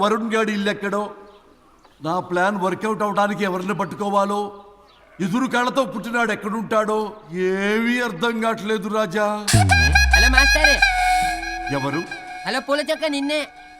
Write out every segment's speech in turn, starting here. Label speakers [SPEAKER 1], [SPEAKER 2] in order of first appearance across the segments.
[SPEAKER 1] వరుణ్ గాడి ఇల్లు ఎక్కడో, నా ప్లాన్ వర్కౌట్ అవడానికి ఎవరిని పట్టుకోవాలో, ఎదురు కాళ్ళతో పుట్టినాడు ఎక్కడుంటాడో ఏమీ అర్థం కావట్లేదు రాజా.
[SPEAKER 2] Hello master.
[SPEAKER 1] ఎవరు?
[SPEAKER 2] హలో పూల చొక్క నిన్నే.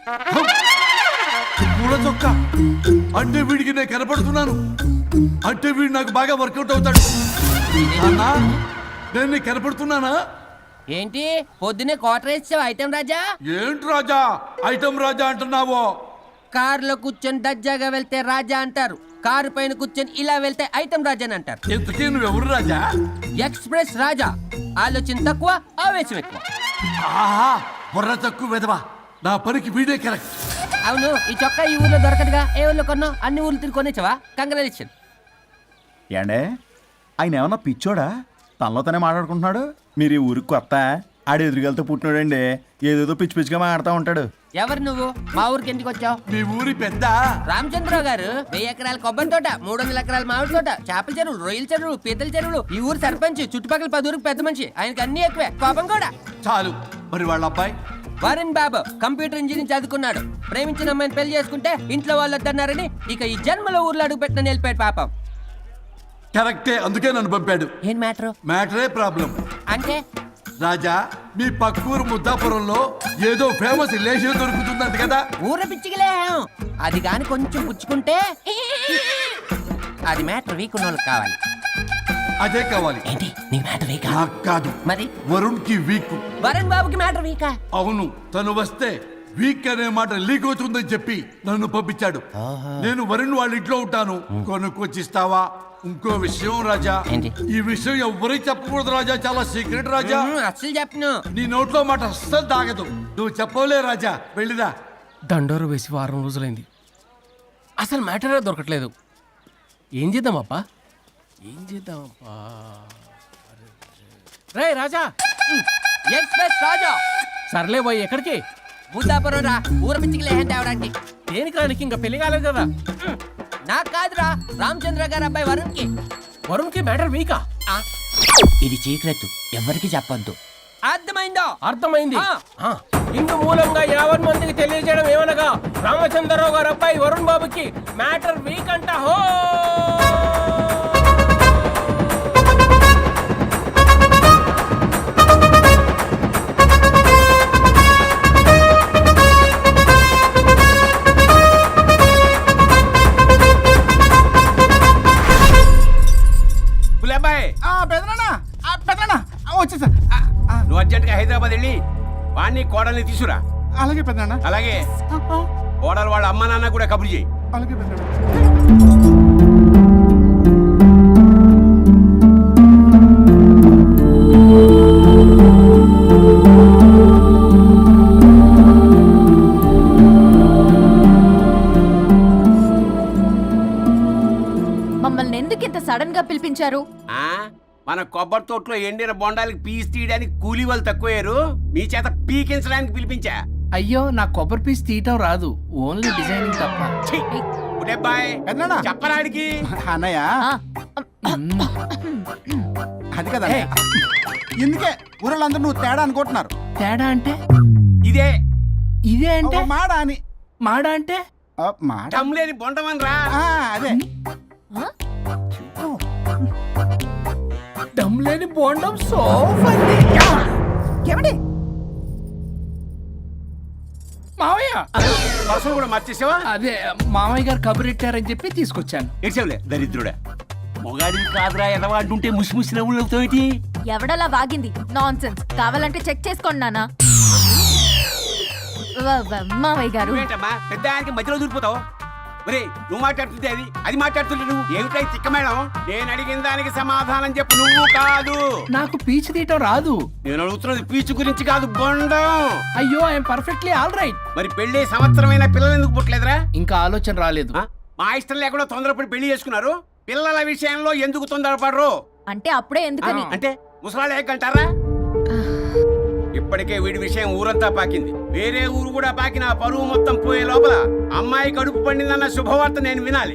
[SPEAKER 1] పూల చొక్క అంటే వీడికి నేను కనపడుతున్నాను, అంటే వీడు నాకు బాగా వర్కౌట్ అవుతాడు. అన్నా నేను నీకు కనపడుతున్నానా?
[SPEAKER 2] ఏంటి పొద్దునే క్వార్టర్ ఇచ్చావు ఐటమ్ రాజా?
[SPEAKER 1] ఏంటి రాజా ఐటమ్ రాజా అంటున్నావో?
[SPEAKER 2] కారులో కూర్చొని దజ్జాగా వెళ్తే రాజా అంటారు, కారు పైన కూర్చొని ఇలా వెళ్తే ఐటమ్ రాజా అని అంటారు.
[SPEAKER 1] ఇంతకీ నువ్వెవరు రాజా?
[SPEAKER 2] ఎక్స్ప్రెస్ రాజా. ఆలోచన తక్కువ, ఆవేశం ఎక్కువ.
[SPEAKER 1] ఆహా, బుర్ర తక్కువ వెదవా. నా పనికి వీడే కరెక్ట్.
[SPEAKER 2] అవును, ఈ చొక్కా ఈ ఊర్లో దొరకదుగా. ఏ ఊర్లో కొన్నావు? అన్ని ఊర్లు తిరిగి కొనేచ్చావా? కంగ్రాచులేషన్.
[SPEAKER 3] ఏండే ఆయన ఏమన్నా పిచ్చోడా? తనలో తనే మాట్లాడుకుంటున్నాడు. మీరు ఈ ఊరికి కొత్త, ఆడు ఎదురుగలతో పుట్టినాడండి. ఏదేదో పిచ్చి పిచ్చిగా మాట్లాడుతూ ఉంటాడు.
[SPEAKER 2] ఎవరు నువ్వు? మా ఊరికి ఎందుకు వచ్చావు?
[SPEAKER 1] మీ ఊరి పెద్ద
[SPEAKER 2] రామచంద్రరావు గారు 1000 ఎకరాల కొబ్బరి తోట, 300 ఎకరాల మామిడి తోట, చేపల చెరువులు, రొయ్యల చెరువులు, పీతల చెరువులు. ఈ ఊరు సర్పంచ్, చుట్టుపక్కల 10 ఊరికి పెద్ద మనిషి. ఆయనకి అన్ని ఎక్కువే, కోపం కూడా.
[SPEAKER 1] చాలు. మరి వాళ్ళ అబ్బాయి
[SPEAKER 2] వరుణ్ బాబు కంప్యూటర్ ఇంజనీరింగ్ చదువుకున్నాడు. ప్రేమించిన అమ్మాయిని పెళ్లి చేసుకుంటే ఇంట్లో వాళ్ళు వద్దన్నారని ఇక ఈ జన్మలో ఊర్లో అడుగు పెట్టిన నిలిపాడు పాపం.
[SPEAKER 1] కరెక్టే, అందుకే నన్ను పంపాడు.
[SPEAKER 2] ఏం మ్యాటర్?
[SPEAKER 1] మ్యాటరే ప్రాబ్లం.
[SPEAKER 2] అంటే
[SPEAKER 1] రాజా, మీ పక్కూరు ముద్దాపురంలో ఏదో ఫేమస్ రిలేషన్ దొరుకుతుందంట కదా?
[SPEAKER 2] ఊర పిచ్చికిలే. అది గాని కొంచెం పుచ్చుకుంటే అది మ్యాటర్ వీక్ ఉన్న వాళ్ళకి కావాలి.
[SPEAKER 1] అదే కావాలి.
[SPEAKER 2] ఏంటి నీ మ్యాటర్ వీకా?
[SPEAKER 1] నాకు కాదు,
[SPEAKER 2] మరి
[SPEAKER 1] వరుణ్ కి వీక్.
[SPEAKER 2] వరుణ్ బాబుకి మ్యాటర్ వీకా?
[SPEAKER 1] అవును, తను వస్తే వీక్ అనే మాట లీక్ అవుతుందని చెప్పి నన్ను పంపించాడు. నేను వరుణ్ వాళ్ళ ఇంట్లో ఉంటాను, కొనుక్కొచ్చిస్తావా? ఇంకో విషయం రాజా,
[SPEAKER 2] ఏంటి?
[SPEAKER 1] ఈ విషయం ఎవరికి చెప్పకూడదు రాజా, చాలా సీక్రెట్ రాజా.
[SPEAKER 2] అస్సలు చెప్పను.
[SPEAKER 1] నీ నోట్లో మాట అస్సలు తాగదు. నువ్వు చెప్పవలే రాజా, వెళ్ళిరా.
[SPEAKER 4] దండోరు వేసి వారం రోజులైంది, అసలు మ్యాటరే దొరకట్లేదు. ఏం చేద్దామప్పా? రే రాజా.
[SPEAKER 2] ఎక్స్ప్రెస్ రాజా.
[SPEAKER 4] సర్లే పోయి ఎక్కడికి?
[SPEAKER 2] ముద్దాపురం రా, ఊర పిచ్చికిలే తేవడానికి.
[SPEAKER 4] దేనికి రానికి? ఇంకా పెళ్లి కాలేదు కదా.
[SPEAKER 2] నాకు కాదురా, రామచంద్ర గారు అబ్బాయి వరుణ్ కి.
[SPEAKER 4] వరుణ్కి మ్యాటర్ వీకా?
[SPEAKER 2] ఇది సీక్రెట్, ఎవరికి చెప్పొద్దు. అర్థమైందో?
[SPEAKER 4] అర్థమైంది. ఇందు మూలంగా 50 మందికి తెలియజేయడం ఏమనగా, రామచంద్రరావు గారు అబ్బాయి వరుణ్ బాబుకి మ్యాటర్ వీక్ అంట. హో
[SPEAKER 5] వచ్చేసా.
[SPEAKER 6] నువ్వు అర్జెంట్గా హైదరాబాద్ వెళ్ళి వాణ్ణి కోడల్ని తీసుకురా.
[SPEAKER 5] అలాగే పెద్దనా.
[SPEAKER 6] అలాగే కోడలు వాళ్ళ అమ్మ నాన్న కూడా కబురు చేయి.
[SPEAKER 5] అలాగే పెద్దనా.
[SPEAKER 7] మమ్మల్ని ఎందుకు ఇంత సడన్ గా పిలిపించారు?
[SPEAKER 6] మన కొబ్బరి తోటలో ఎండిన బొండాలకి పీస్ తీయడానికి కూలీ వాళ్ళు తక్కువయ్యారు, మీ చేత పీకించడానికి పిలిపించా.
[SPEAKER 4] అయ్యో, నా కొబ్బరి పీస్ తీయటం రాదు, ఓన్లీ డిజైనింగ్ తప్ప.
[SPEAKER 6] చెప్పరాడికి
[SPEAKER 5] అన్నయ్య అది కదా. ఎందుకే ఊరలందరూ నువ్వు తేడా అనుకుంటున్నారు.
[SPEAKER 4] తేడా అంటే?
[SPEAKER 6] ఇదే
[SPEAKER 4] ఇదే అంటే
[SPEAKER 5] మాడ అని.
[SPEAKER 4] మాడ అంటే
[SPEAKER 6] లేని బొండమని రా.
[SPEAKER 5] అదే
[SPEAKER 4] దమ్ లేని బోండం సోఫా.
[SPEAKER 7] ఏమండి
[SPEAKER 4] మావయ్య,
[SPEAKER 6] పర్సలు కూడా మర్చేసావా?
[SPEAKER 4] అదే మామయ్య గారు కబురెట్టారని చెప్పి తీసుకొచ్చాను.
[SPEAKER 6] ఏడ్చావులే దరిద్రుడా. మొగాడివి కాదురా ఎదవా అంటుంటే ముసి ముసి నవ్వులు అవుతావేటి?
[SPEAKER 7] ఎవడలా వాగింది? Nonsense. కావాలంటే చెక్ చేసుకోండి నాన్న. మామయ్య గారు.
[SPEAKER 6] ఏంటమ్మా పెద్ద ఆయనకి మధ్యలో దూరిపోతావు? ఒరే, నువ్వు మాట్లాడుతుంటే అది మాట్లాడుతుంటే నువ్వు ఏమిటై తిక్క మేడం? నేను అడిగిన దానికి సమాధానం చెప్పు. నువ్వు కాదు.
[SPEAKER 4] నాకు పీచు తీయటం రాదు.
[SPEAKER 6] నేను అడుగుతున్నది పీచు గురించి కాదు, బొండం.
[SPEAKER 4] అయ్యో, ఐఎమ్ పర్ఫెక్ట్లీ ఆల్ రైట్.
[SPEAKER 6] మరి పెళ్లి సంవత్సరమైన పిల్లలు ఎందుకు పుట్టలేదురా?
[SPEAKER 4] ఇంకా ఆలోచన రాలేదు.
[SPEAKER 6] మా ఇష్టం లేకుండా తొందరపడి పెళ్లి చేసుకున్నారు. పిల్లల విషయంలో ఎందుకు తొందరపడరు?
[SPEAKER 7] అంటే అప్పుడే ఎందుకని?
[SPEAKER 6] అంటే ముసలాళ్ళు ఏకంటారా? ఇప్పటికే వీడి విషయం ఊరంతా పాకింది. వేరే ఊరు కూడా పాకిన పరువు మొత్తం పోయే లోపల అమ్మాయి కడుపు పండిందన్న శుభవార్త నేను వినాలి.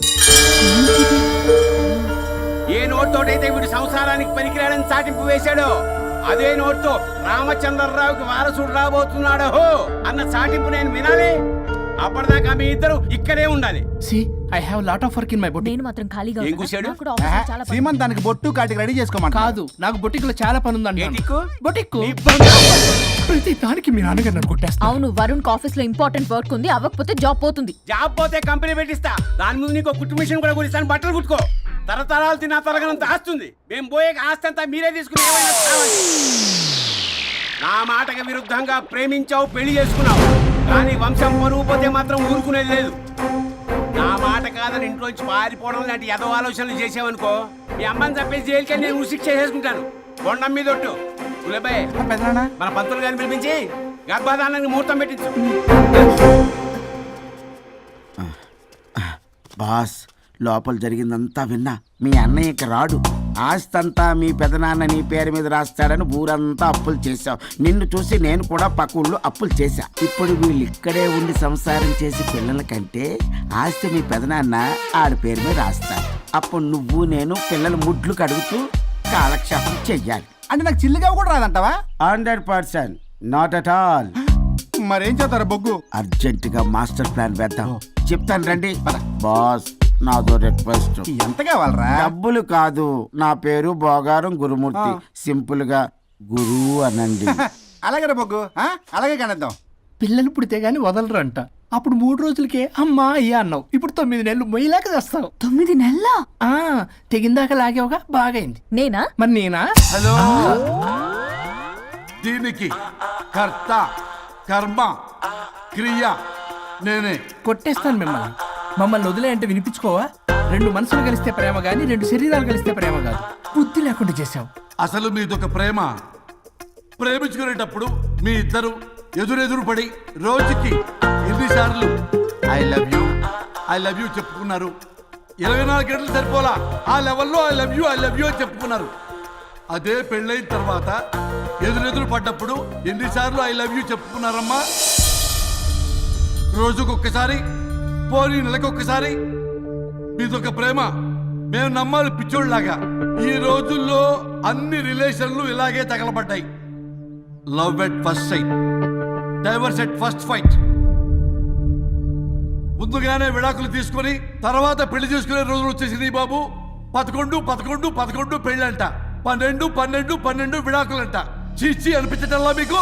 [SPEAKER 6] ఏ నోట్తోటైతే వీడు సంసారానికి పనికిరాడని చాటింపు వేశాడో, అదే నోట్తో రామచంద్రరావుకి వారసుడు రాబోతున్నాడో అన్న చాటింపు నేను వినాలి. అప్పటిదాకా మీ ఇద్దరు ఇక్కడే ఉండాలి.
[SPEAKER 4] See I have lot of work in my boutique.
[SPEAKER 7] నేను మాత్రం ఖాళీగా
[SPEAKER 6] ఏం
[SPEAKER 7] ఉన్నానా?
[SPEAKER 6] కూశాడు?
[SPEAKER 7] నాకు కూడా ఆఫీస్లో చాలా పని.
[SPEAKER 5] సీమంత్ దానికి బొట్టు కాటికి రెడీ చేసుకోమంట.
[SPEAKER 4] కాదు, నాకు బొటిక్ లో చాలా పని ఉందండి.
[SPEAKER 6] ఏటిక్కు?
[SPEAKER 4] బొటిక్
[SPEAKER 6] నీ బంధు.
[SPEAKER 4] ప్రతి దానికి మీ నాన్నగారు నన్ను కొట్టేస్తా.
[SPEAKER 7] అవును, వరుణ్ ఆఫీస్ లో ఇంపార్టెంట్ వర్క్ ఉంది, అవ్వకపోతే జాబ్ పోతుంది.
[SPEAKER 6] జాబ్ పోతే కంపెనీ పెట్టిస్తా. దాని ముందు నీకు కుట్టు మిషన్ కూడా కురిస్తాను. బట్టలు కుట్టుకో. తరతరాలు తిన్నా తరగనంత ఆస్తుంది. మేము పోయే ఆస్తి అంతా మీరే తీసుకుని ఏమైనా కావాలి. నా మాటకి విరుద్ధంగా ప్రేమించావు, పెళ్లి చేసుకున్నావు, కానీ వంశం పరువు పోతే మాత్రం ఊరుకునేది లేదు. నా మాట కాదని ఇంట్లోంచి పారిపోవడం లాంటి ఎదో ఆలోచనలు చేసావనుకో, మీ అమ్మని చంపేసి జైలుకి నేను శిక్ష చేసుకుంటాను. కొండం మీద ఒట్టు. ఉలబాయ్,
[SPEAKER 5] పెద్దనా
[SPEAKER 6] మన పంతులు గారిని పిలిపించి గర్భధానానికి ముహూర్తం పెట్టించు.
[SPEAKER 8] బాస్, లోపల జరిగిందంతా విన్నా. మీ అన్నయ్యకి రాడు, ఆస్తంతా మీ పెదనాన్న నీ పేరు మీద రాస్తాడని ఊరంతా అప్పులు చేశావు. నిన్ను చూసి నేను కూడా పక్క ఊళ్ళో అప్పులు చేశా. ఇప్పుడు వీళ్ళు ఇక్కడే ఉండి సంసారం చేసి పిల్లల కంటే ఆస్తి మీ పెదనాన్న ఆడి పేరు మీద రాస్తాడు. అప్పుడు నువ్వు నేను పిల్లల ముడ్లు కడుగుతూ కాలక్షేపం చెయ్యాలి.
[SPEAKER 5] అంటే నాకు చిల్లిగా కూడా రాదంటావా?
[SPEAKER 8] 100% నాట్ అట్ ఆల్.
[SPEAKER 5] మరేం చేస్తారు బొగ్గు?
[SPEAKER 8] అర్జెంటుగా మాస్టర్ ప్లాన్ వేద్దాం. చెప్తాను రండి. బాస్, నాదో రిక్వెస్ట్.
[SPEAKER 5] ఎంత కావాలరా?
[SPEAKER 8] డబ్బులు కాదు, నా పేరు బోగారం గురుమూర్తి. సింపుల్ గా గురు అనండి.
[SPEAKER 5] అలాగే బొగ్గు, అలాగే కనేద్దాం.
[SPEAKER 4] పిల్లలు పుడితే గానీ వదలరంట. అప్పుడు 3 రోజులకే అమ్మా అయ్యా అన్నావు. ఇప్పుడు 9 నెలలు మొయ్యలాక చేస్తావు.
[SPEAKER 7] 9 నెలల
[SPEAKER 4] తెగిందాక లాగేవగా, బాగైంది.
[SPEAKER 7] నేనా?
[SPEAKER 4] మరి నేనా?
[SPEAKER 1] హలో, దీనికి కర్త కర్మ క్రియ నేనే.
[SPEAKER 4] కొట్టేస్తాను మిమ్మల్ని. మమ్మల్ని వదిలే అంటే వినిపించుకోవా? 2 మనసులు కలిస్తే ప్రేమ గాని 2 శరీరాలు కలిస్తే ప్రేమ కాదు. బుద్ధి లేకుండా చేసావు.
[SPEAKER 1] అసలు మీదొక ప్రేమ. ప్రేమించుకునేటప్పుడు మీ ఇద్దరు ఎదురెదురు పడి రోజుకి ఎన్నిసార్లు ఐ లవ్ యూ చెప్పుకున్నారు? 24 గంటలు సరిపోలా. ఆ లెవెల్లో ఐ లవ్ యూ అని చెప్పుకున్నారు. అదే పెళ్ళైన తర్వాత ఎదురెదురు పడ్డప్పుడు ఎన్నిసార్లు ఐ లవ్ యూ చెప్పుకున్నారమ్మా? రోజుకొక్కసారి, పోనీ నెలకొక్కసారి. మీదొక ప్రేమ. మేము నమ్మాలి పిచ్చోళ్ళలాగా. ఈ రోజుల్లో అన్ని రిలేషన్లు ఇలాగే తగలబడ్డాయి. Love at first sight, divorce at first fight. ముందుగానే విడాకులు తీసుకొని తర్వాత పెళ్లి చేసుకునే రోజులు వచ్చేసింది బాబు. 11 పెళ్ళంట, 12 విడాకులంట. చీచి అనిపించటల్లా మీకు?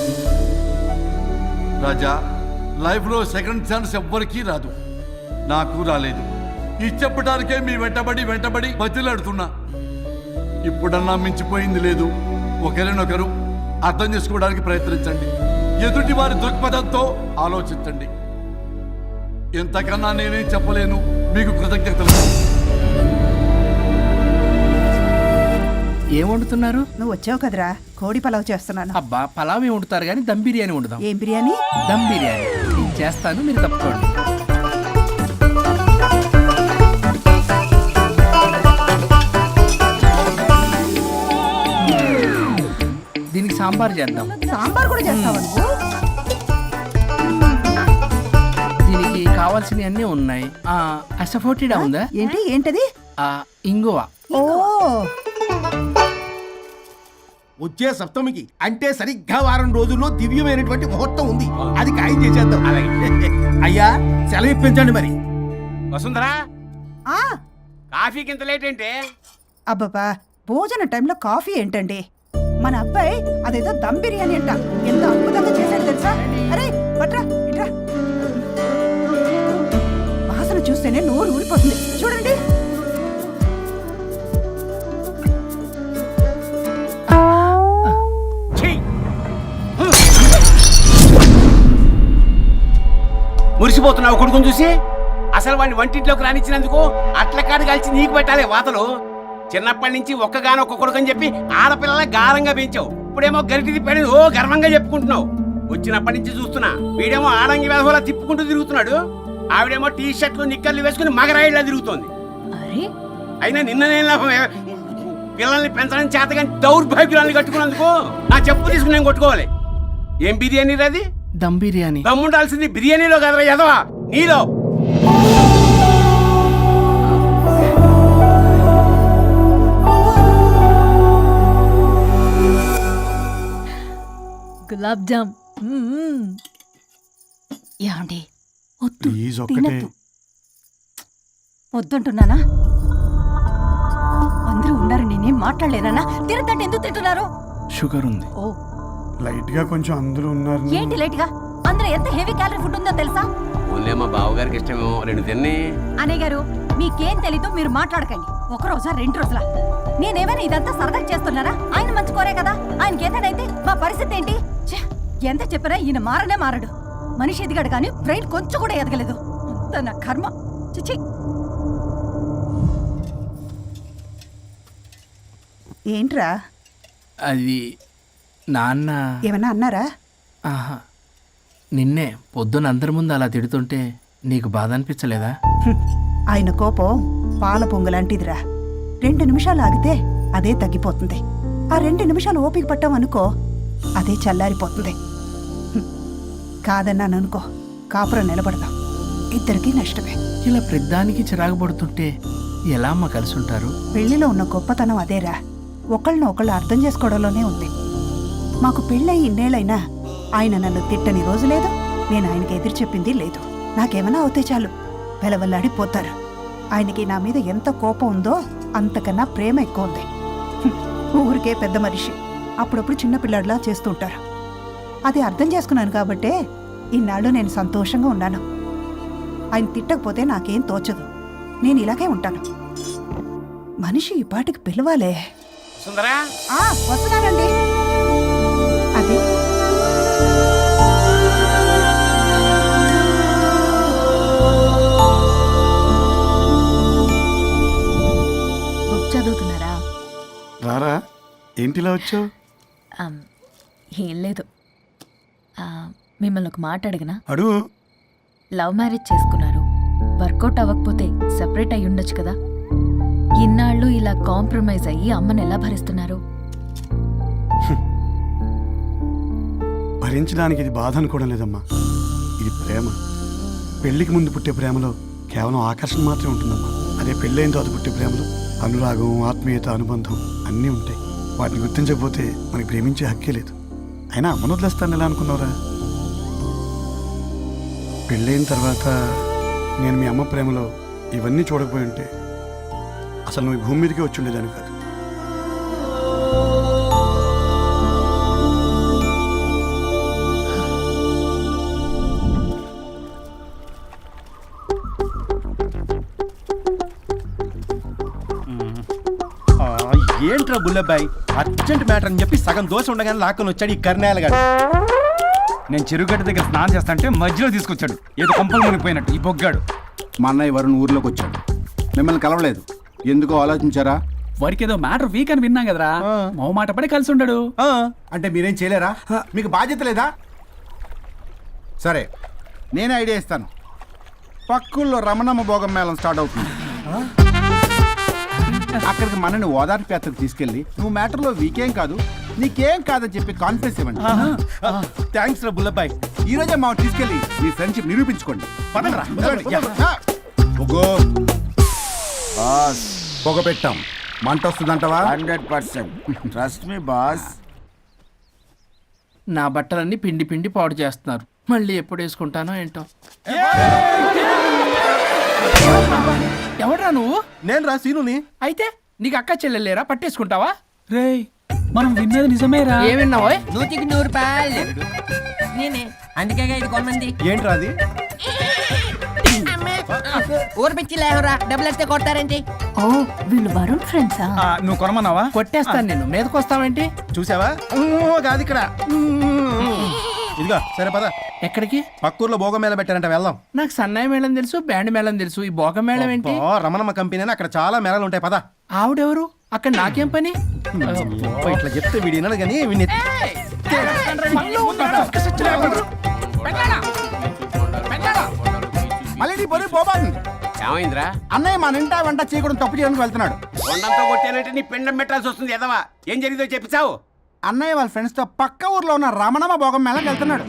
[SPEAKER 1] రాజా, లైఫ్ లో సెకండ్ ఛాన్స్ ఎవ్వరికీ రాదు. నాకు రాలేదు. ఈ చెప్పడానికే మీ వెంటబడి బతిలాడుతున్నా. ఇప్పుడన్నా మించిపోయింది లేదు. ఒకరినొకరు అర్థం చేసుకోవడానికి ప్రయత్నించండి. ఎదుటి వారి దృక్పథంతో ఆలోచించండి. ఎంతకన్నా నేనేం చెప్పలేను. మీకు కృతజ్ఞతలు.
[SPEAKER 4] ఏం వండుతున్నారు?
[SPEAKER 9] నువ్వు వచ్చావు కదరా, కోడి పలావ్ చేస్తున్నాను.
[SPEAKER 4] అబ్బా, పలావ్ ఏం వండుతారు కానీ దమ్ బిర్యానీ వండుదాం.
[SPEAKER 9] ఏం బిర్యానీ?
[SPEAKER 4] దమ్ బిర్యానీ నేను చేస్తాను, మీరు తప్పుకోండి. దీనికి సాంబార్ చేద్దాం.
[SPEAKER 9] సాంబార్ కూడా చేస్తావా నువ్వు?
[SPEAKER 4] దీనికి కావాల్సినవి అన్నీ ఉన్నాయి. అసఫోటిడా ఉందా?
[SPEAKER 9] ఏంటది?
[SPEAKER 4] ఇంగువ.
[SPEAKER 9] ఓ,
[SPEAKER 5] వచ్చే సప్తమికి అంటే సరిగ్గా వారం రోజుల్లో దివ్యమైనటువంటి ముహూర్తం ఉంది. అది ఖాయం చేసేద్దాం. అయ్యా, సెలవు ఇప్పించండి మరి.
[SPEAKER 6] వసుంధరా,
[SPEAKER 9] ఆ,
[SPEAKER 6] కాఫీకి ఇంత లేట్ ఏంటే?
[SPEAKER 9] అబ్బబ్బా, భోజన టైంలో కాఫీ ఏంటండి? మన అబ్బాయి అదేదో దమ్ బిర్యానీ అంట, ఎంత అద్భుతంగా చేశాడు తెలుసా? అరే పట్రా, ఇట్రా. వాసన చూస్తేనే నోరు ఊరిపోతుంది. చూడండి.
[SPEAKER 6] మురిసిపోతున్నావు కొడుకుని చూసి? అసలు వాడిని వంటింట్లోకి రానిచ్చినందుకు అట్లకాడు కలిసి నీకు పెట్టాలి వాతలు. చిన్నప్పటి నుంచి ఒక్కగానొక్క కొడుకు అని చెప్పి ఆడపిల్లల గారంగా పెంచావు. ఇప్పుడేమో గరిటి తిప్పాడని ఓ గర్వంగా చెప్పుకుంటున్నావు. వచ్చినప్పటి నుంచి చూస్తున్నా, వీడేమో ఆడంగి వెధవలా తిప్పుకుంటూ తిరుగుతున్నాడు. ఆవిడేమో టీ షర్ట్లు నిక్కర్లు వేసుకుని మగరాయిలా తిరుగుతోంది. అయినా నిన్న నేను పిల్లల్ని పెంచడం చేతగాని దౌర్భాగ్యురాన్ని కట్టుకున్నందుకు నా చెప్పు తీసుకుని నేను కొట్టుకోవాలి. ఏం బిర్యానీ రాది?
[SPEAKER 4] దమ్ బిర్యానీ.
[SPEAKER 6] దమ్ముండాల్సింది బిర్యానీలో కదరా ఎదవా, నీలో.
[SPEAKER 7] గులాబ్ జామ్. యాండి, వద్దు
[SPEAKER 1] ప్లీజ్ ఒక్కటే
[SPEAKER 7] తినద్దు వద్దుంటున్నానా అందరూ ఉన్నారు నేనేం మాట్లాడలేనా తినద్దంటే ఎందుకు తింటున్నారు
[SPEAKER 3] షుగర్ ఉంది.
[SPEAKER 7] ఓ
[SPEAKER 1] లైట్ గా కొంచెం అందరూ ఉన్నారు.
[SPEAKER 7] ఏంటి లేట్ గా అందులో ఎంత హెవీ క్యాలరీ ఫుడ్ ఉందో తెలుసా?
[SPEAKER 6] ఓన్లే మా బావగారికి ఇష్టమేమో 2 తిన్ని.
[SPEAKER 7] అన్నయ్య గారు మీకేం తెలీదో మీరు మాట్లాడకండి. ఒక రోజా 2 రోజులా నేనేమైనా ఇదంతా సరదా చేస్తున్నారా? ఆయన మంచి కోరే కదా. ఆయనకి ఏదైతే మా పరిస్థితి ఏంటి? ఛే, ఎంత చెప్పినా ఈయన మారనే మారడు. మనిషి ఎదిగాడు కానీ బ్రెయిన్ కొంచెం కూడా ఎదగలేదు. అంత నా కర్మ. చిచి.
[SPEAKER 9] ఏంట్రా
[SPEAKER 4] అది నాన్న
[SPEAKER 9] ఏమన్నా అన్నారా?
[SPEAKER 4] ఆహా నిన్నే పొద్దున అందరి ముందు అలా తిడుతుంటే నీకు బాధ అనిపించలేదా?
[SPEAKER 9] ఆయన కోపం పాల పొంగులాంటిదిరా. 2 నిమిషాలు ఆగితే అదే తగ్గిపోతుంది. ఆ 2 నిమిషాలు ఓపిక పట్టామనుకో అదే చల్లారిపోతుంది. కాదన్నాననుకో కాపురం నిలబడదాం. ఇద్దరికీ నష్టమే.
[SPEAKER 4] ఇలా ప్రతిదానికి చిరాకు పడుతుంటే ఎలా అమ్మ కలిసి ఉంటారు?
[SPEAKER 9] పెళ్లిలో ఉన్న గొప్పతనం అదేరా. ఒకళ్ళని ఒకళ్ళు అర్థం చేసుకోవడంలోనే ఉంది. మాకు పెళ్ళయి ఇన్నేళ్ళైనా ఆయన నన్ను తిట్టని రోజు లేదు, నేను ఆయనకి ఎదురు చెప్పింది లేదు. నాకేమైనా అవుతే చాలు వెలవల్లాడిపోతారు. ఆయనకి నా మీద ఎంత కోపం ఉందో అంతకన్నా ప్రేమ ఎక్కువ ఉంది. ఊరికే పెద్ద మనిషి, అప్పుడప్పుడు చిన్నపిల్లాడిలా చేస్తుంటారు. అది అర్థం చేసుకున్నాను కాబట్టే ఇన్నాళ్ళు నేను సంతోషంగా ఉన్నాను. ఆయన తిట్టకపోతే నాకేం తోచదు. నేను ఇలాగే ఉంటాను. మనిషి ఈ పాటికి పిలవాలే.
[SPEAKER 6] సుందరా
[SPEAKER 9] వస్తున్నానండి. అది
[SPEAKER 7] బుక్ చదువుతున్నారా?
[SPEAKER 1] రారా, ఏంటిలా వచ్చావు?
[SPEAKER 7] ఏం లేదు. మిమ్మల్ని ఒక మాట అడిగినా?
[SPEAKER 1] అడుగు.
[SPEAKER 7] లవ్ మ్యారేజ్ చేసుకున్నారు, వర్కౌట్ అవ్వకపోతే సెపరేట్ అయి ఉండొచ్చు కదా. ఇన్నాళ్ళు ఇలా కాంప్రమైజ్ అయ్యి అమ్మని ఎలా భరిస్తున్నారు?
[SPEAKER 1] భరించడానికి ఇది బాధ అనుకోవడం లేదమ్మా, ఇది ప్రేమ. పెళ్లికి ముందు పుట్టే ప్రేమలో కేవలం ఆకర్షణ మాత్రమే ఉంటుందమ్మా. అదే పెళ్ళైన తర్వాత పుట్టే ప్రేమలో అనురాగం, ఆత్మీయత, అనుబంధం అన్నీ ఉంటాయి. వాటిని గుర్తించకపోతే మనకి ప్రేమించే హక్కే లేదు. అయినా అమ్మను వదిలేస్తాను ఎలా అనుకున్నావురా? పెళ్ళైన తర్వాత నేను మీ అమ్మ ప్రేమలో ఇవన్నీ చూడకపోయి ఉంటే అసలు నువ్వు ఈ భూమి మీదకే వచ్చి ఉండేదాన్ని కాదు.
[SPEAKER 3] ఏంట్రా బుల్లబ్బాయి, అర్జెంట్ మ్యాటర్ అని చెప్పి సగం దోశ ఉండగానే లాక్కొని వచ్చాడు ఈ కర్ణాలగాడు.
[SPEAKER 10] నేను చెరువుగడ్డ దగ్గర స్నానం చేస్తాంటే మధ్యలో తీసుకొచ్చాడు. ఏదో కొంపలు మునిగిపోయినట్టు ఈ బొగ్గాడు.
[SPEAKER 3] మా అన్నయ్య వరుణ్ ఊర్లోకి వచ్చాడు, మిమ్మల్ని కలవలేదు. ఎందుకో ఆలోచించారా?
[SPEAKER 10] వారికి ఏదో మ్యాటర్ వీక్ అని విన్నాం కదరా, మాట పడి కలిసి ఉండడు.
[SPEAKER 3] అంటే మీరేం చేయలేరా? మీకు బాధ్యత లేదా? సరే, నేనే ఐడియా ఇస్తాను. పక్కుల్లో రమణమ్మ భోగం మేళం స్టార్ట్ అవుతుంది. అక్కడికి మనని ఓదార్పు యాత్రకు తీసుకెళ్ళి నువ్వు మ్యాటర్లో వీకేం కాదు, నీకేం కాదని చెప్పి కాన్ఫిడెన్స్ ఇవ్వండి. థ్యాంక్స్ రా బుల్లబ్బాయ్. ఈ రోజే మా తీసుకెళ్ళి మీ ఫ్రెండ్షిప్ నిరూపించుకోండి. పొగ పెట్టాం, మంట వస్తుందంటవా?
[SPEAKER 8] 100% ట్రస్ట్ మీ బాస్.
[SPEAKER 4] నా బట్టలన్నీ పిండి పిండి పాడు చేస్తున్నారు. మళ్ళీ ఎప్పుడు వేసుకుంటానో ఏంటో. ఎవడ్రా నువ్వు?
[SPEAKER 3] నేను రా సీనుని.
[SPEAKER 4] అయితే నీకు అక్క చెల్లెలేరా? పట్టేసుకుంటావా?
[SPEAKER 10] రేయ్, మనం విన్నది నిజమేరా.
[SPEAKER 4] ఏమిన్నావో?
[SPEAKER 2] 100కి 100 రూపాయలు నేనే, అందుకే ఇది కొమ్మంది.
[SPEAKER 3] ఏంట్రా అది?
[SPEAKER 2] ఊరు పిచ్చి లేవరా, డబ్బులు వస్తే కొడతారేంటి?
[SPEAKER 7] ఓ వీళ్ళు వరుణ్ ఫ్రెండ్సా?
[SPEAKER 10] నువ్వు కొనమన్నావా?
[SPEAKER 4] కొట్టేస్తాను నేను. మీదకొస్తావేంటి?
[SPEAKER 3] చూసావా? కాదు ఇక్కడ. ఇదిగో సరే పద.
[SPEAKER 4] ఎక్కడికి?
[SPEAKER 3] పక్కూర్లో భోగం మేళ పెట్టారంట, వెళ్దాం.
[SPEAKER 4] నాకు సన్నాయి మేళం తెలుసు, బ్యాండ్ మేళం తెలుసు, ఈ బోగ మేళం ఏంటి?
[SPEAKER 3] రమణమ్మ కంపెనీ అని అక్కడ చాలా మేళలు ఉంటాయి, పద.
[SPEAKER 4] ఆవిడెవరు? అక్కడ నాకేం పని?
[SPEAKER 3] ఇట్లా చెప్తే వీడి వినడు కానీ వీడిని మళ్ళీ నీ పొరి పోబాను.
[SPEAKER 6] ఏమైందిరా?
[SPEAKER 3] అన్నయ్య మా నింటా వెంట చేయకూడదు తప్పు చేయడానికి వెళ్తున్నాడు.
[SPEAKER 6] కొండంతో కొట్టానంటే నీ పిండం పెట్టాల్సి వస్తుంది. ఎదవా, ఏం జరిగిందో చెప్పిచావు?
[SPEAKER 3] అన్నయ్య వాళ్ళ ఫ్రెండ్స్ తో పక్క ఊర్లో ఉన్న రమణమ్మ భోగం మేళకి వెళ్తున్నాడు.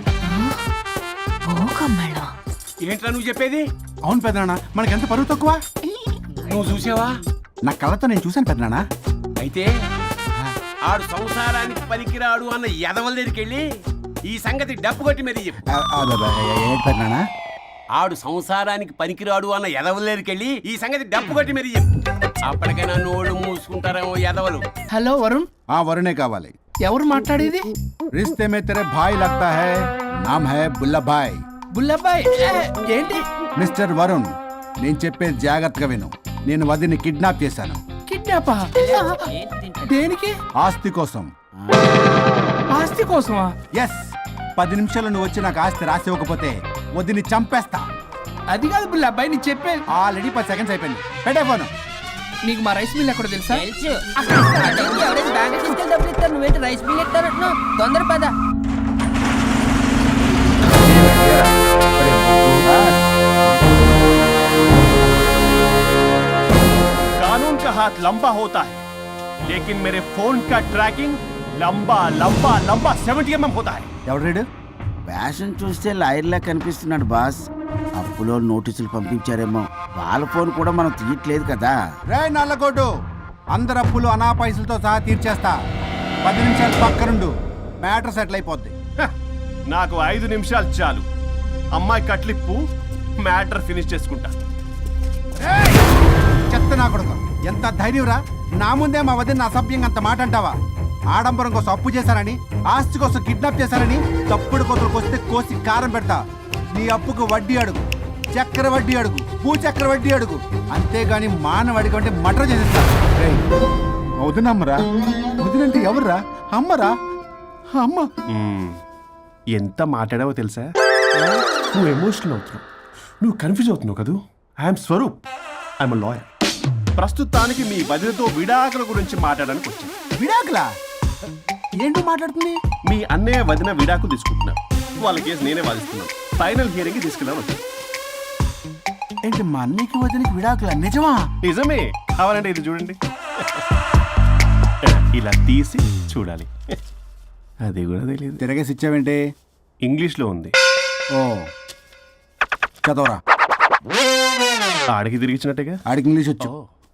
[SPEAKER 6] ఏంట్రా నువ్వు చెప్పేది?
[SPEAKER 3] అవును పెద్దనాన్న, మనకి ఎంత పరువు తక్కువ.
[SPEAKER 6] నువ్వు చూసావా?
[SPEAKER 3] నా కళ్ళతో నేను చూశాను పెద్దనాన్న.
[SPEAKER 6] అయితే ఆడు సంసారానికి పనికిరాడు అన్న ఎదవల దగ్గరికి వెళ్ళి ఈ సంగతి డప్పు కొట్టి మరీ చెప్పు.
[SPEAKER 3] ఏంటి పెద్దనాన్న?
[SPEAKER 6] ఆడు సంసారానికి పనికిరాడు అన్న ఎదవలేరికెళ్ళి ఈ సంగతి డప్పు కొట్టి మరి చెప్పు. అప్పటికైనా నోళ్ళు మూసుకుంటారేమో ఎదవలు.
[SPEAKER 5] హలో వరుణ్,
[SPEAKER 1] ఆ వరుణే కావాలి.
[SPEAKER 5] ఎవరు మాట్లాడేది?
[SPEAKER 1] रिश्ते में तेरे भाई लगता है, नाम है बुल्ला भाई.
[SPEAKER 5] బుల్లబ్బాయ్ ఏంటి?
[SPEAKER 1] మిస్టర్ వరుణ్, నేను చెప్పేది జాగ్రత్తగా విను. నేను వదిని కిడ్నాప్ చేశాను.
[SPEAKER 5] కిడ్నాపా? దేనికి?
[SPEAKER 1] ఆస్తి కోసం.
[SPEAKER 5] ఆస్తి కోసమా?
[SPEAKER 1] ఎస్, 10 నిమిషాలు నువ్వు వచ్చి నాకు ఆస్తి రాసి ఇవ్వకపోతే వదిని చంపేస్తా.
[SPEAKER 5] అది కాదు బుల్లబ్బాయ్, నీ చెప్పే.
[SPEAKER 1] ఆల్రెడీ 10 సెకండ్స్ అయిపోయింది. పెట్టే ఫోను.
[SPEAKER 5] నీకు మా రైస్ మిల్ ఎక్కడ తెలుసా?
[SPEAKER 2] తెలుసు. అదేంటి, ఎవరైనా బ్యాంక్ తీసుకెళ్ళి డబ్బులు ఇస్తారు, నువ్వేంటి రైస్ బిల్ ఇస్తారంటున్నావు? తొందర పద.
[SPEAKER 3] कानून का हाथ लंबा होता है, लेकिन मेरे फोन का ट्रैकिंग लंबा लंबा लंबा 70 mm होता है.
[SPEAKER 1] ఎవడు రీడు?
[SPEAKER 8] ఫ్యాషన్ చూస్తే లాయర్లా కనిపిస్తున్నాడు బాస్. అప్పులో నోటీసులు పంపించారేమో, వాళ్ళ ఫోన్ కూడా మనం తీయట్లేదు కదా.
[SPEAKER 1] రే నల్లగొడ్డు, అందరు అప్పులు అనా పైసలతో సహా తీర్చేస్తా. 10 నిమిషాలు పక్కనుండు, మ్యాటర్ సెటిల్ అయిపోద్ది.
[SPEAKER 3] నాకు 5 నిమిషాలు చాలు. అమ్మాయి కట్లిప్పు, మ్యాటర్ ఫినిష్ చేసుకుంటా.
[SPEAKER 1] చెత్త నా కొడుకు, ఎంత ధైర్యంరా! నా ముందే మా వదిన అసభ్యంగా అంత మాట అంటావా? ఆడంబరం కోసం అప్పు చేశారని, ఆస్తి కోసం కిడ్నాప్ చేశారని తప్పుడు కొతులకు వస్తే కోసి కారం పెడతా. నీ అప్పుకు వడ్డీ అడుగు, చక్కెర వడ్డీ అడుగు, భూచక్ర వడ్డీ అడుగు, అంతేగాని మానవ అడిగి అంటే మటర్ చేసేస్తా. వదినమ్మరా? వదినంటే ఎవర్రా? అమ్మరా? అమ్మ.
[SPEAKER 3] ఎంత మాట్లాడావో తెలుసా? నువ్వు ఎమోషనల్ అవుతున్నావు, నువ్వు కన్ఫ్యూజ్ అవుతున్నావు కదూ. I'm Swaroop, I'm lawyer. ప్రస్తుతానికి మీ వదినతో విడాకుల గురించి మాట్లాడడానికి వచ్చాను.
[SPEAKER 1] విడాకులా? ఏంటో మాట్లాడుతుంది?
[SPEAKER 3] మీ అన్నయ్య వదిన విడాకులు తీసుకుంటున్నారు. వాళ్ళ కేసు నేనే వాదిస్తున్నాను. ఫైనల్ హియరింగ్ తీసుకెళ్ళాను వచ్చాను.
[SPEAKER 1] ఏంటి మా అన్నయ్యకి వదినకి విడాకులా? నిజమా?
[SPEAKER 3] నిజమే. కావాలంటే ఇది చూడండి, ఇలా తీసి చూడాలి. అది కూడా తెలియదు.
[SPEAKER 1] తిరగేసి ఇచ్చావేంటి?
[SPEAKER 3] ఇంగ్లీష్లో ఉంది.
[SPEAKER 1] ఓ, చదవరా.
[SPEAKER 3] ఆడికి తిరిగిచ్చినట్టుగా.
[SPEAKER 1] ఆడికి ఇంగ్లీష్ వచ్చు.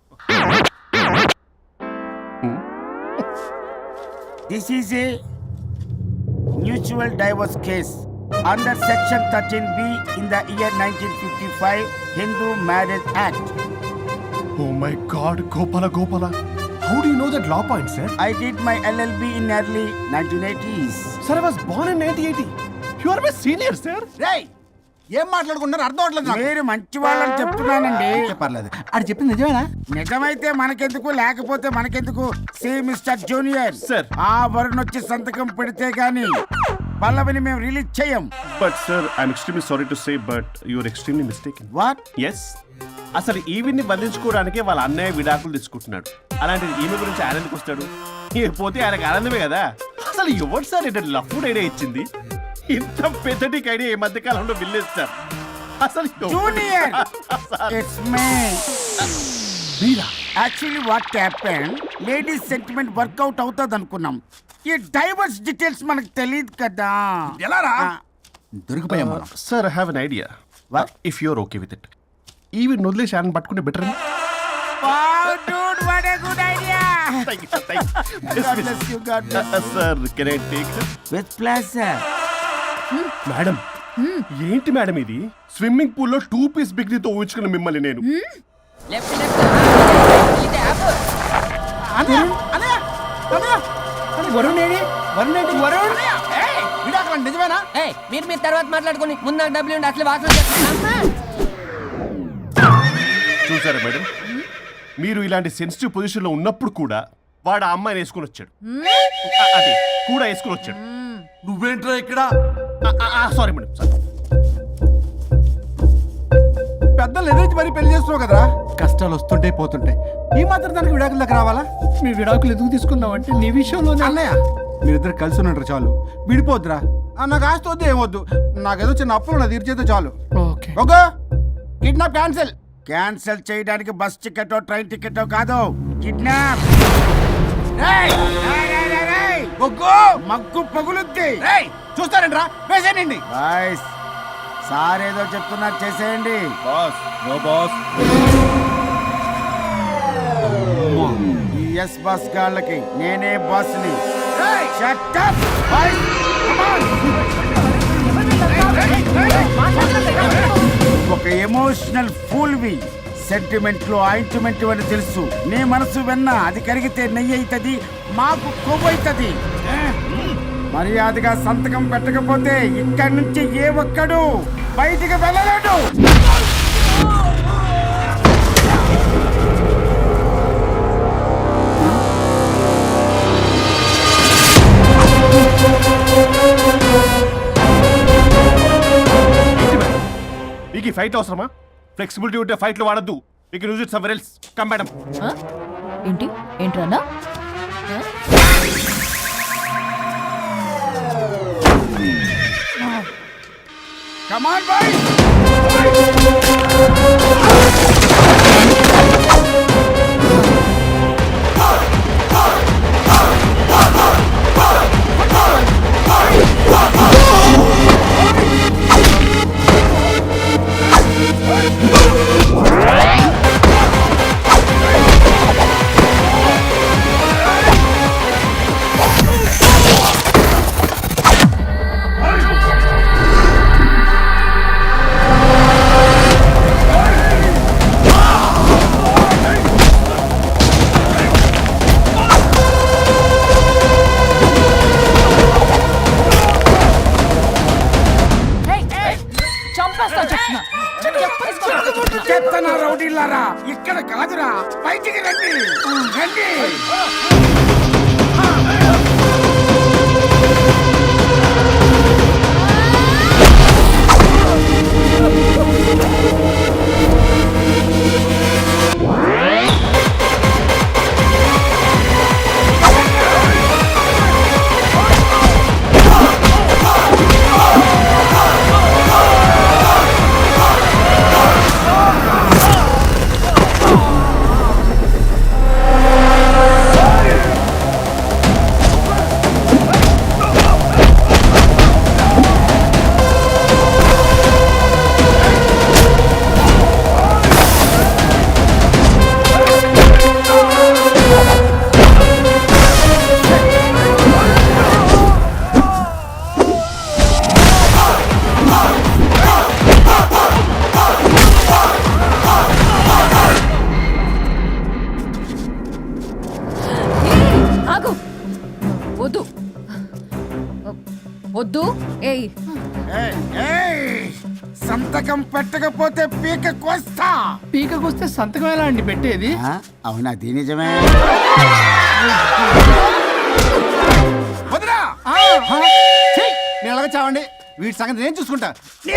[SPEAKER 8] This is a mutual divorce case under section 13B in the year 1955 Hindu marriage act.
[SPEAKER 3] Oh my God, Gopala. How do you know that law point, sir?
[SPEAKER 8] I did my LLB in early 1980s.
[SPEAKER 3] Sir, I was born in 1980. You are my senior, sir.
[SPEAKER 1] రేయ్, ఏం మాట్లాడుకున్నారు అర్థం అవట్లేదు నాకు.
[SPEAKER 8] మీరు మంచి వాళ్ళని చెప్తున్నానండి.
[SPEAKER 1] పర్లేదు. అది చెప్పింది నిజమేనా?
[SPEAKER 8] నిజమైతే మనకెందుకు, లేకపోతే మనకెందుకు? See mister junior,
[SPEAKER 3] Sir.
[SPEAKER 8] ఆ వరుణ్ వచ్చి సంతకం పెడితే గాని పల్లవిని మేము రిలీజ్ చేయం.
[SPEAKER 3] But sir, I'm extremely sorry to say, but you are extremely mistaken.
[SPEAKER 8] What?
[SPEAKER 3] Yes. అసలు ఈవిడ్ని బంధించుకోవడానికే వాళ్ళ అన్నయ్య విడాకులు తీసుకుంటున్నాడు. అలాంటిది ఈమె గురించి ఆయన ఎందుకు వస్తాడు? పోతే ఆయనకు ఆనందమే కదా. అసలు ఎవరు సార్ ఏంటో లఫ్డ్ ఐడియా ఇచ్చింది? ఇంత పెద్దటికి ఐడియా ఈ మధ్య కాలంలో విల్లేస్తారు. అసలు
[SPEAKER 8] జూనియర్, ఇట్స్ మీ.
[SPEAKER 3] మీరా?
[SPEAKER 8] Actually what happen, ladies sentiment work out అవుతుంది అనుకున్నాం. ఈ డైవర్స్ డీటెయిల్స్ మనకు తెలియదు కదా.
[SPEAKER 1] ఎలా రా? దొరికిపోయాం మనం.
[SPEAKER 3] Sir, I have an idea.
[SPEAKER 8] What?
[SPEAKER 3] If you're okay with it, ఈవిడ్ వదిలేసి ఆయన పట్టుకుంటే బెటర్ అని.
[SPEAKER 8] Wow, dude, what a good idea. God bless you, God bless you.
[SPEAKER 3] Sir, can I take?
[SPEAKER 8] With pleasure.
[SPEAKER 3] Madam, ఏంటి madam ఇది? Swimming pool లో 2 piece బిగ్నీతో ఊహించుకున్న మిమ్మల్ని నేను.
[SPEAKER 2] Left left. ఇది యాప్.
[SPEAKER 5] వరుణ్ ఏడి? వరుణ్ ఏంటి? వరుణ్
[SPEAKER 1] విడాకులు నిజమేనా?
[SPEAKER 2] ఏయ్, మీరు తర్వాత మాట్లాడుకొని ముందు నాకు డబ్బులు ఉండి అసలు వాసన చేస్తున్నా.
[SPEAKER 3] చూసారా మేడం, మీరు ఇలాంటి సెన్సిటివ్ పొజిషన్ లో ఉన్నప్పుడు కూడా వాడు ఆ అమ్మాయిని వేసుకుని వచ్చాడు. అదే కూడా వేసుకుని వచ్చాడు.
[SPEAKER 1] నువ్వేంట్రా ఇక్కడ?
[SPEAKER 3] Sorry madam, sorry.
[SPEAKER 1] పెద్దలు ఎదురు మరి పెళ్లి చేస్తున్నావు కదరా. కష్టాలు వస్తుంటే పోతుంటాయి. ఈ మాత్రం దానికి విడాకుల దగ్గర రావాలా?
[SPEAKER 5] మీ విడాకులు ఎందుకు తీసుకున్నావు అంటే నీ విషయంలోనే.
[SPEAKER 1] అన్నయ్య, మీరిద్దరు కలిసి ఉన్నట్టు చాలు, విడిపోద్దురా. నాకు ఆస్తి వద్దు, ఏమొద్దు. నాకేదో చిన్న అప్పులు నా తీర్చేదో చాలు.
[SPEAKER 5] Okay.
[SPEAKER 1] Okay, kidnap cancel.
[SPEAKER 8] Cancel చేయడానికి బస్ టికెట్, ట్రైన్ టికెట్ కాదు, కిడ్నాప్. మగ్గు పగులుద్ది.
[SPEAKER 1] చూస్తారంట్రా, వేసేయండి.
[SPEAKER 8] బాయ్స్, సార్ ఏదో చెప్తున్నారు, చేసేయండి.
[SPEAKER 3] Boss, no boss.
[SPEAKER 8] ఈ ఎస్ బస్ గాళ్ళకి నేనే బాస్ని. Shut up, boys. Come on. ఒక ఎమోషనల్ ఫూల్వి. సెంటిమెంట్లు ఆయింట్మెంట్ అని తెలుసు. నీ మనసు వెన్న, అది కరిగితే నెయ్యి అవుతుంది, మాకు కొవ్వు అవుతుంది. మర్యాదగా సంతకం పెట్టకపోతే ఇక్కడి నుంచి ఏ ఒక్కడు బయటికి వెళ్ళలేడు.
[SPEAKER 3] మీకు ఈ ఫైట్ అవసరమా? ఫ్లెక్సిబిలిటీ ఉంటే ఫైట్లు వాడద్దు. మీకు use it somewhere else. Come madam.
[SPEAKER 7] ఏంటి ఏంట్రన్నా?
[SPEAKER 8] Come on, boys! చెత్తన రౌడీలారా, ఇక్కడ కాదురా, బయటికి రండి రండి.
[SPEAKER 7] వద్దు. ఏయ్
[SPEAKER 8] సంతకం పెట్టకపోతే పీక కోస్తా.
[SPEAKER 5] పీకకొస్తే సంతకం ఎలా అండి పెట్టేది?
[SPEAKER 8] అవునా? అది నిజమే.
[SPEAKER 5] వదినా నేను అలాగే చావండి. వీటి సంగతి నేను చూసుకుంటా.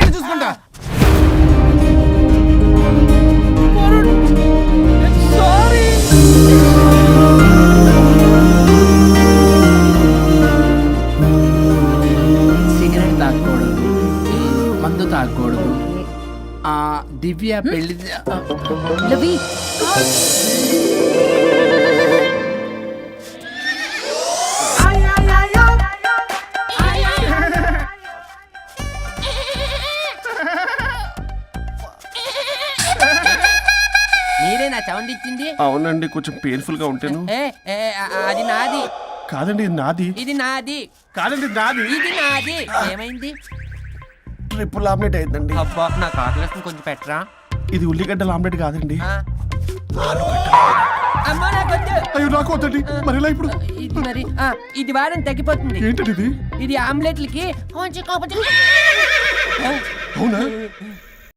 [SPEAKER 6] సిగరెట్ తాగకూడదు, మందు తాగకూడదు. దివ్య పెళ్లి
[SPEAKER 7] లవి
[SPEAKER 2] మీరే నా సౌండ్ ఇచ్చింది?
[SPEAKER 3] అవునండి, కొంచెం పెయిన్ఫుల్ గా ఉంటాను.
[SPEAKER 2] అది నాది
[SPEAKER 3] కాదండి, ఇది నాది.
[SPEAKER 2] ఇది నాది
[SPEAKER 3] కాదండి, నాది.
[SPEAKER 2] ఇది నాది. ఏమైంది?
[SPEAKER 3] ట్రిపుల్ ఆమ్లెట్ అయిందండి.
[SPEAKER 2] అబ్బా నాకు ఆకలిస్తుంది, కొంచెం పెట్టరా.
[SPEAKER 3] ఇది ఉల్లిగడ్డల ఆమ్లెట్ కాదండి.
[SPEAKER 2] అమ్మా నాకొద్దు.
[SPEAKER 3] అయ్యో నాకు వద్దండి. మరి ఇలా ఇప్పుడు
[SPEAKER 2] ఇది మరి ఇది వారం తగ్గిపోతుంది.
[SPEAKER 3] ఏంటండి ఇది?
[SPEAKER 2] ఇది ఆమ్లెట్లకి కొంచెం
[SPEAKER 3] అవునా?